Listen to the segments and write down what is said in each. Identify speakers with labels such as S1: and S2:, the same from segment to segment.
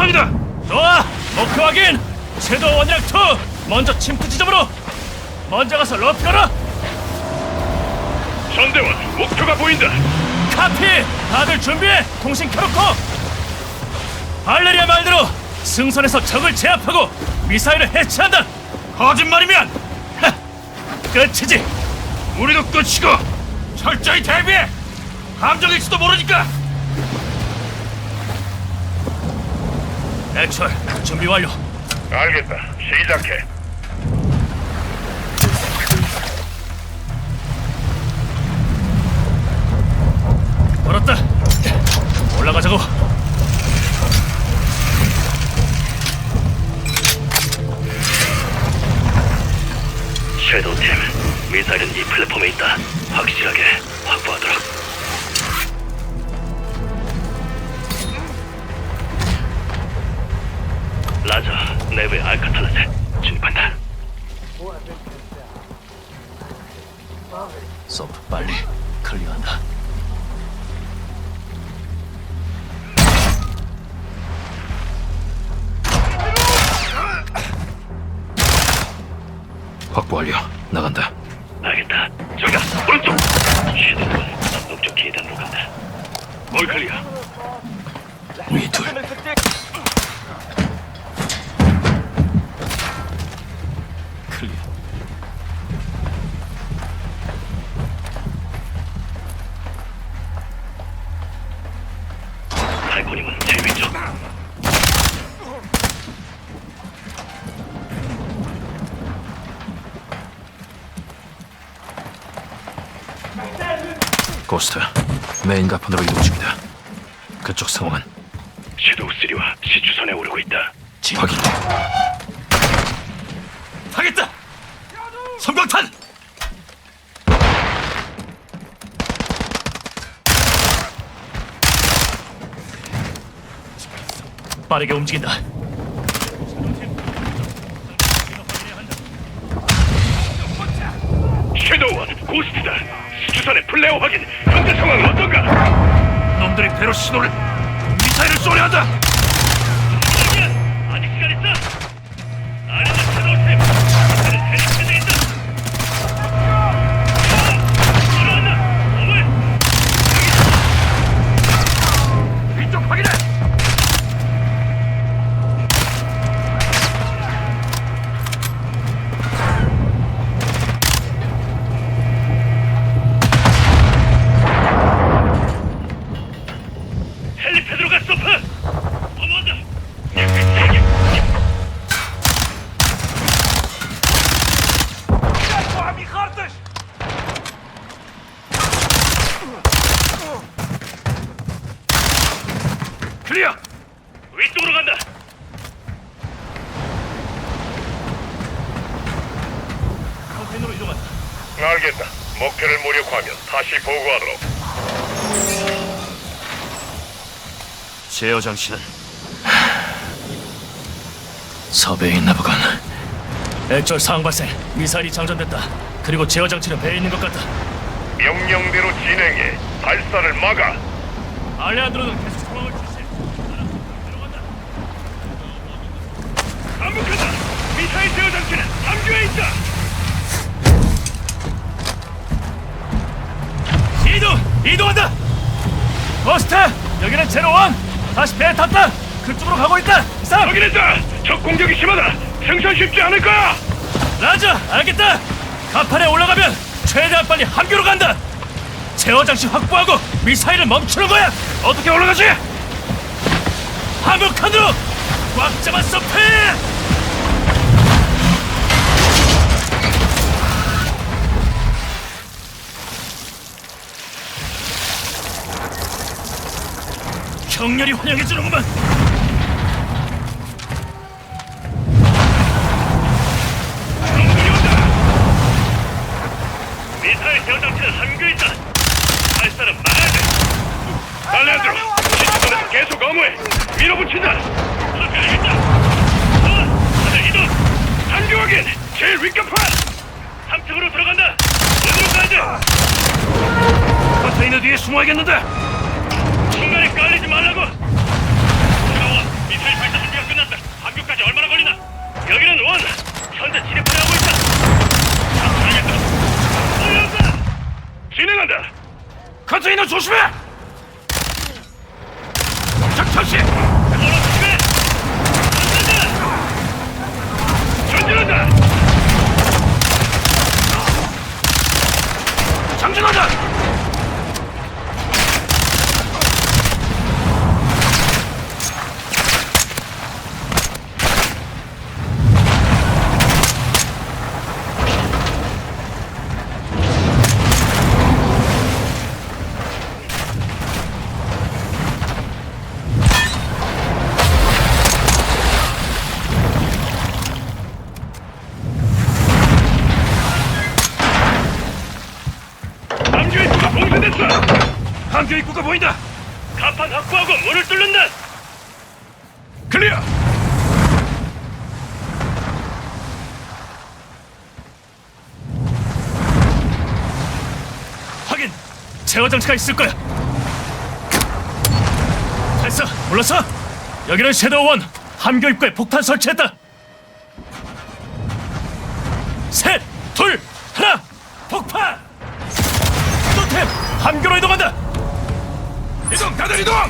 S1: 상황이다.
S2: 좋아, 목표 확인. 섀도우 원이랑 투 먼저 침투 지점으로. 먼저 가서 러프 걸어.
S1: 전대원, 목표가 보인다.
S2: 카피. 다들 준비해. 통신 켜놓고. 발레리아 말대로 승선에서 적을 제압하고 미사일을 해체한다.
S1: 거짓말이면
S2: 하, 끝이지.
S1: 우리도 끝이고 철저히 대비해. 함정일지도 모르니까.
S2: 액철 준비 완료.
S1: 알겠다. 시작해.
S2: 걸었다. 올라가자고.
S3: 섀도우팀, 미사일은 이 플랫폼에 있다. 확실하게 확보하도록. 라자, 내부의 알카탈라스 진입한다.
S2: 서브 빨리 클리어한다.
S1: 확보 완료. 나간다.
S3: 알겠다. 저기다, 오른쪽! 섀도우는 남동쪽 계단으로 간다. 올 클리어.
S2: 위 둘. 클리어.
S3: 달코님은 제일 왼쪽.
S1: 고스트, 메인 가판으로 이동 중이다. 그쪽 상황은?
S3: 섀도우3와 시추선에 오르고 있다.
S1: 확인.
S2: 하겠다. 섬광탄. 빠르게 움직인다.
S3: 섀도우원, 고스트다. 시추선의 플레어 확인. 현재 상황은 어떤가?
S1: 놈들이 배로 신호를 미사일을 쏘려 한다.
S3: 아직 시간 있어. 아래는 섀도우팀. 미사일은 헬리패드에 있다. 들어간다. 어물.
S1: 이쪽 확인해.
S3: 헬리패드로 가, 서프. 어머한다.
S1: 클리어.
S3: 위쪽으로 간다.
S2: 컨테이너로 이동한다.
S1: 알겠다. 목표를 무력화하면 다시 보고하도록. 제어 장치는
S2: 섭외에 있나 보군. 액절 상황 발생. 미사일이 장전됐다. 그리고 제어 장치는 배에 있는 것 같다.
S1: 명령대로 진행해. 발사를 막아.
S2: 알레안드로는 계속 상황을 주시해. 들어간다.
S3: 반복한다. 미사일 제어 장치는 함교에 있다.
S2: 이동한다. 버스트, 여기는 제로원. 다시 배에 탔다. 그쪽으로 가고 있다. 이상.
S3: 확인했다. 적 공격이 심하다. 생산 쉽지 않을 거야.
S2: 라자, 알겠다. 가판에 올라가면 최대한 빨리 함교로 간다. 제어 장치 확보하고 미사일을 멈추는 거야. 어떻게 올라가지? 함흑칸으로 꽉 잡아 서프. 격렬히 환영해주는구만.
S3: 미사일 제어 장치는 함교에 있다. 발사는 막아야 돼. 알레안드로, 시추선에서 계속 어무해. 밀어붙인다. 그렇게 알겠다. 다들 이동. 함교 확인. 제일 윗간판. 3층으로 들어간다. 어디로 가야 돼?
S1: 컨테이너 뒤에 숨어야겠는데.
S3: 중간에 깔리지 말라고. 들어와. 미사일 발사 여기는 원. 현재 진입하려 하고 있다. 알겠다. 올라온다. 진행한다.
S2: 컨테이너 조심해! 작전시!
S3: 조심해. 전진한다.
S2: 장전한다!
S3: 함교 입구가 봉쇄됐어.
S2: 함교 입구가 보인다!
S3: 간판 확보하고 문을 뚫는다.
S2: 클리어! 확인! 제어 장치가 있을 거야! 됐어! 몰랐어? 여기는 섀도우1! 함교 입구에 폭탄 설치했다! 셋! 둘! 하나! 폭파! 또템! 함교로 이동한다! 이동! 다들 이동!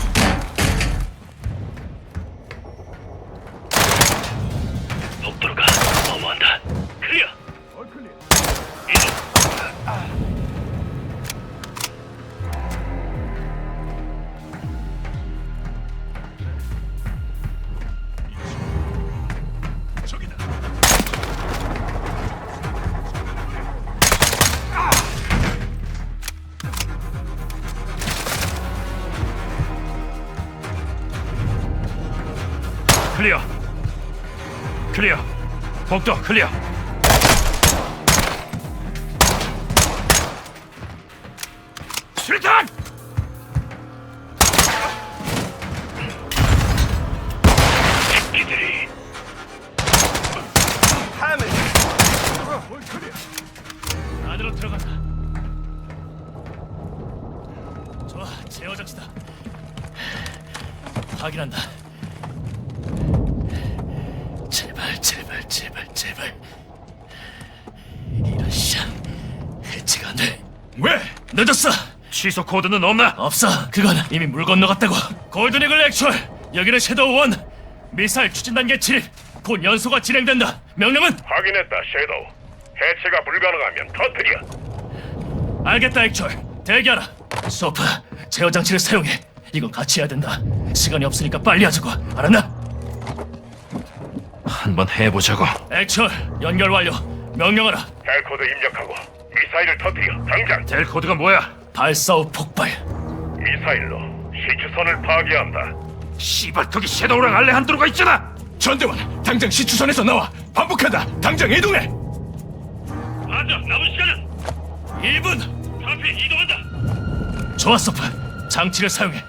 S3: 복도로가 너무한다. 클리어. 이동.
S2: 저기다! 클리어! 클리어! 복도 클리어! 수류탄!
S3: 기들이
S2: 안으로 들어간다. 좋아, 제어 장치다. 확인한다. 제발, 제발, 제발, 제발. 이런 샹 해치가 안 돼. 왜? 늦었어. 취소 코드는 없나? 없어. 그건 이미 물 건너갔다고. 골든이글 액츄얼. 여기는 섀도우1. 미사일 추진 단계 진입. 곧 연소가 진행된다. 명령은?
S3: 확인했다. 섀도우. 해체가 불가능하면 터뜨려.
S2: 알겠다, 액츄얼. 대기하라. 소프, 제어 장치를 사용해. 이건 같이 해야 된다. 시간이 없으니까 빨리 하자고. 알았나? 한번 해보자고. 액츄얼, 연결 완료. 명령하라.
S3: 헬 코드 입력하고 미사일을 터뜨려. 당장.
S2: 델 코드가 뭐야? 발사 후 폭발.
S3: 미사일로 시추선을 파괴한다.
S2: 씨발, 거기 섀도우랑 알레 한도로가 있잖아. 전대원, 당장 시추선에서 나와. 반복한다. 당장 이동해.
S3: 맞아. 남은 시간은
S2: 1분.
S3: 카피 이동한다.
S2: 좋아, 소프. 장치를 사용해.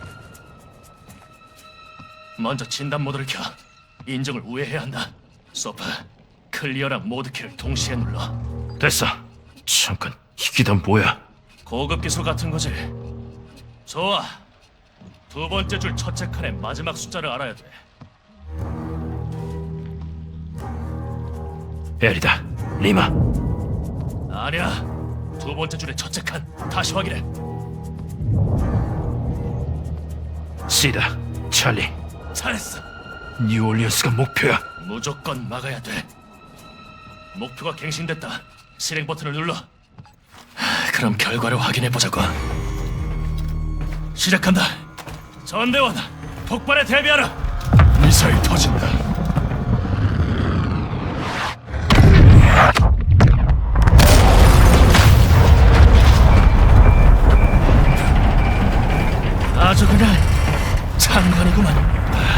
S2: 먼저 진단 모드를 켜. 인정을 우회해야 한다. 소프, 클리어랑 모드키를 동시에 눌러. 됐어. 잠깐, 이게 다 뭐야? 고급 기술 같은 거지. 좋아. 두 번째 줄 첫째 칸의 마지막 숫자를 알아야 돼. 에리다, 리마. 아니야. 두 번째 줄의 첫째 칸. 다시 확인해. 시다, 찰리. 잘했어. 뉴올리언스가 목표야. 무조건 막아야 돼. 목표가 갱신됐다. 실행 버튼을 눌러. 그럼 결과를 확인해 보자고. 시작한다. 전대원, 폭발에 대비하라. 미사일 터진다. 아주 그냥 장관이구만.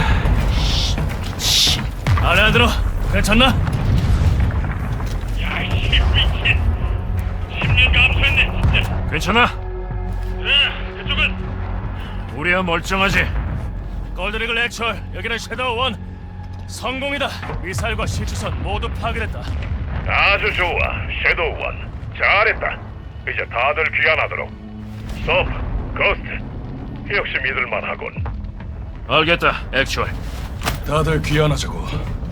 S2: 알레안드로, 괜찮나?
S3: 야, 이 미친. 10년 감수했네, 진짜.
S2: 괜찮아?
S3: 그쪽은
S2: 우리야 멀쩡하지. 골든이글 액츄얼, 여기는 섀도우1. 성공이다. 미사일과 시추선 모두 파괴됐다.
S3: 아주 좋아, 섀도우1. 잘했다. 이제 다들 귀환하도록. 서프, 고스트, 역시 믿을만하군.
S2: 알겠다, 액츄얼.
S4: 다들 귀환하자고.